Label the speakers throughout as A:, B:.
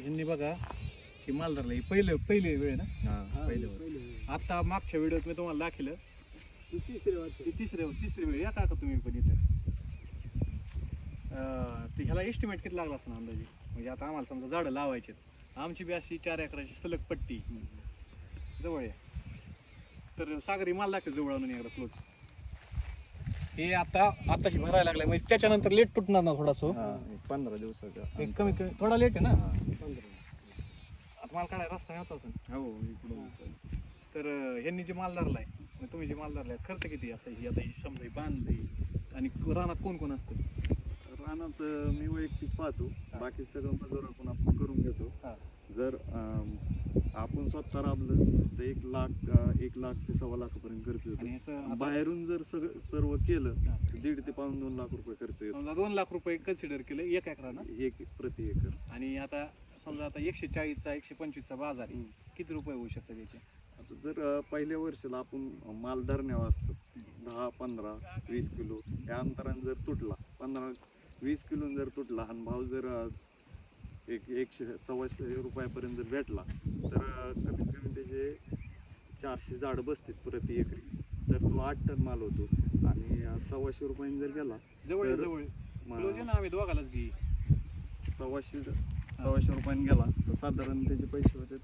A: ह्यांनी बघा की माल धरला, ही पहिली वेळ ना. आता मागच्या व्हिडिओत मी तुम्हाला दाखवलं तिसरी वेळ या का तुम्ही पण इथे. तर ह्याला एस्टिमेट किती लागला असं अंदाजे, म्हणजे आता आम्हाला समजा झाडं लावायचे, आमची बी अशी 4 एकराची सलग पट्टी जवळ आहे. तर सागरी माल दाखव जवळ आणून एकदा क्लोज. हे आताशी भरायला लागलाय, म्हणजे त्याच्यानंतर लेट तुटणार ना थोडासा.
B: 15 दिवसाच्या
A: कमी थोडा लेट आहे ना. आता माल काढायला रस्ता याचा असेल.
B: हो इकडून.
A: तर ह्यांनी जे माल धरलाय, तुम्ही जे माल धरलाय, खर्च किती असं ही आता ही समजा बांधली आणि रानात कोण कोण असतं?
B: रानात मी वैयक्तिक पाहतो, बाकी सगळं मजूर आपण करून घेतो. जर आपण स्वतः राबलं तर 1 लाख ते 1.25 लाखापर्यंत खर्च येतो. बाहेरून जर सर्व केलं तर 1.5 ते 2 लाख रुपये खर्च येतो.
A: 2 लाख रुपये कन्सिडर केलं 1 एकराला,
B: 1 प्रति एकर.
A: आणि आता समजा आता 140चा 125चा बाजार आहे, किती रुपये होऊ शकतात त्याचे?
B: आता जर पहिल्या वर्षाला आपण माल धरण्यावर असतो 10, 15, 20 किलो या अंतराने जर तुटला, 15-20 किलो जर तुटला आणि भाव जर 100-125 रुपयापर्यंत जर भेटला तर कमीत कमी त्याचे 400 झाड बसतील प्रति एकरी. तर तो 8 टन माल होतो. आणि 125 रुपयांनी जर गेला
A: जवळ क्लोज आहे ना, आम्ही दोघालाच घे.
B: 125 रुपयांनी गेला तर साधारण त्याचे पैसे होते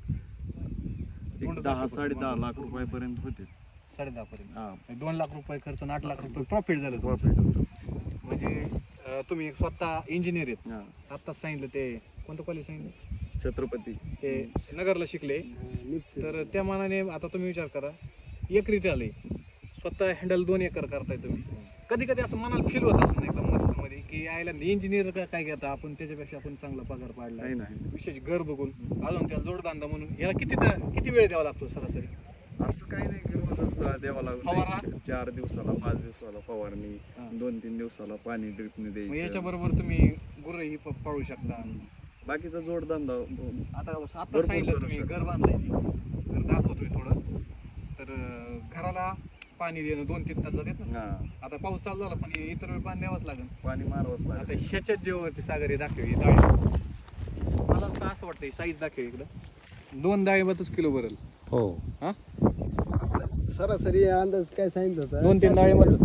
B: 10-10.5 लाख रुपयापर्यंत होते.
A: 10.5 पर्यंत 2 लाख रुपये खर्च आणि 8 लाख रुपये प्रॉफिट झालं.
B: प्रॉफिट होतं.
A: म्हणजे तुम्ही एक स्वतः इंजिनियर आहेत. आत्ताच सांगितलं ते कोणतं कॉलेज सांगितलं?
B: छत्रपती.
A: ते नगरला शिकले. तर त्या मानाने आता तुम्ही विचार करा, एकरी ते आले स्वतः हँडल 2 एकर करताय तुम्ही. कधी कधी असं मनाला फील होत असं एकदम मस्त मध्ये की आयला इंजिनियर काय घेता आपण, त्याच्यापेक्षा आपण चांगला पगार पाडला, विशेष घर बघून अजून त्याला जोडधंदा म्हणून. याला किती वेळ द्यावा लागतो सरासरी?
B: असं काही नाही, रोजच द्यावा लागतो. 4 दिवसाला 5 दिवसाला फवारणी, 2-3 दिवसाला पाणी ड्रिपने द्यायचं.
A: याच्या बरोबर तुम्ही गुरंही पाळू शकता.
B: बाकीचा जोडधंदा
A: आता सांगितलं तुम्ही घर बांधलंय, घर दाखवतोय थोडं. तर घराला पाणी देणं 2-3 तास जातात ना. आता पाऊस चालू झाला पण इतर वेळ पाणी द्यावंच लागेल, पाणी मारावंच लागेल. आता ह्याच्याच जेव्हावरती सागरी दाखव मला असं वाटतं साईज दाखव इकडं 2 डाळिंबातच किलो भरेल.
C: हो.
A: हा
D: सरासरी अंदाज काय सांगितलं होता?
A: 2-3 डाळिंबातच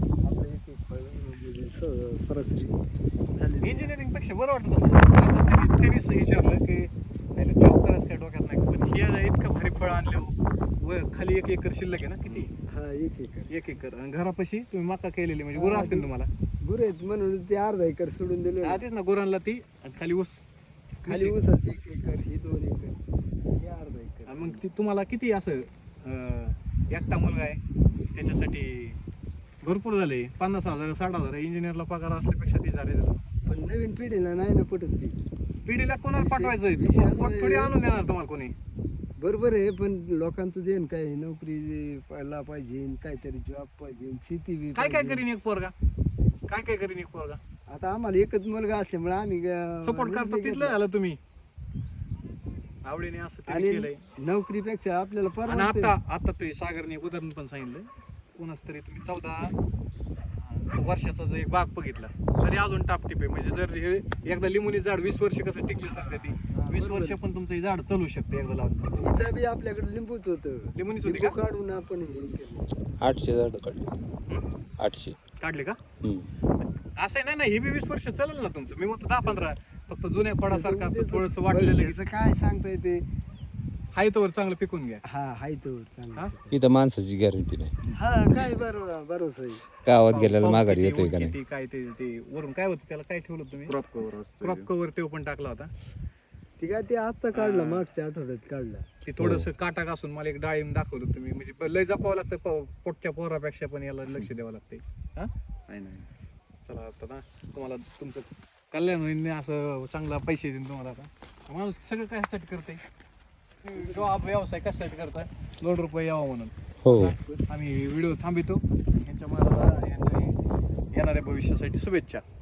D: सरासरी
A: इंजिनिअरिंग पेक्षा बरं वाटत असं. त्यांनीच विचारलं की त्याला जॉब करायचं काय डोक्यात नाही, पण हे इतकं भारी फळ आणलं व खाली 1 एकर शिल्लक आहे ना. किती? 1 एकर. आणि घरापाशी तुम्ही मका केलेली, म्हणजे गुरं असतील तुम्हाला?
D: गुरं आहेत म्हणून ते अर्धा एकर सोडून दिले.
A: आधीच ना गुरांना ती, खाली ऊस,
D: खाली ऊसाची 1 एकर, ही 2 एकर, हे अर्धा एकर.
A: आणि मग ती तुम्हाला किती असं एकटा मुलगा आहे त्याच्यासाठी भरपूर झाले. 50,000 60,000 इंजिनियरला पगार असल्यापेक्षा 30,000 देतो.
D: पण नवीन पिढीला नाही ना पटत ती.
A: पिढीला कोणाला पाठवायचं? थोडी आणून देणार तुम्हाला कोणी?
D: बरोबर आहे, पण लोकांचं देण काय, नोकरी पाहिजे, काहीतरी जॉब पाहिजे, शेती बी
A: काय करीन एक पोरगा, काय करीन एक पोरगा?
D: आता आम्हाला एकच मुलगा असल्यामुळे आम्ही
A: सपोर्ट करतो. तिथलं झालं तुम्ही आवडीने असं तरी
D: आणि
A: केलंय.
D: नोकरीपेक्षा आपल्याला
A: आणि
D: परवडते.
A: आता तुम्ही सागरने एक उदाहरण पण सांगितलं, कोणाच तरी तुम्ही 14 वर्षाचा जो एक बाग बघितला तरी अजून टापटीप आहे. म्हणजे जर हे एकदा लिंबूनी झाड 20 वर्ष कसं टिकले सध्या ती 20 वर्ष पण तुमचं हे झाड चालू शकतं एकदा लावून.
D: इथं बी आपल्याकडे लिंबूच होतं,
A: लिंबूनीच होती का?
D: काढून आपण हे केलं.
C: 800 झाड काढले. 800
A: काढले का? असं आहे ना, हे बी 20 वर्ष चालेल ना तुमचं. मी म्हणतो 10-15, फक्त जुन्या फळासारखा थोडस वाटलेलं
D: काय सांगता येते.
A: हाय तोवर चांगलं पिकून घ्या.
D: हाय तो चांगला.
C: इथं माणसाची गॅरंटी नाही.
D: काय बरोबर आहे.
C: गावात गेल्याला
A: पाऊस
C: माघारी
A: किती,
C: येतोय
A: ऊन
C: का नाही?
A: किती, काय ते वरून काय होतं त्याला, काय ठेवलं तुम्ही?
B: क्रॉप कव्हर असतो.
A: क्रॉप कव्हर ते पण टाकला होता.
D: ती काय ते आता काढलं, मागच्या आठवड्यात काढला.
A: ते थोडस काटा घासून मला एक डाळिंब दाखवलं तुम्ही. म्हणजे लय जपावं लागतं पोटच्या पोरापेक्षा, पण याला लक्ष द्यावं लागतंय. हा
B: नाही.
A: चला आता ना तुम्हाला तुमचं कल्याण होईल, असं चांगला पैसे देईन तुम्हाला. आता माणूस सगळं कशासाठी करते, जॉब व्यवसाय कशासाठी करताय? 2 रुपये यावा म्हणून.
C: हो.
A: आम्ही व्हिडिओ थांबितो. यांच्या मला यांच्या येणाऱ्या भविष्यासाठी शुभेच्छा.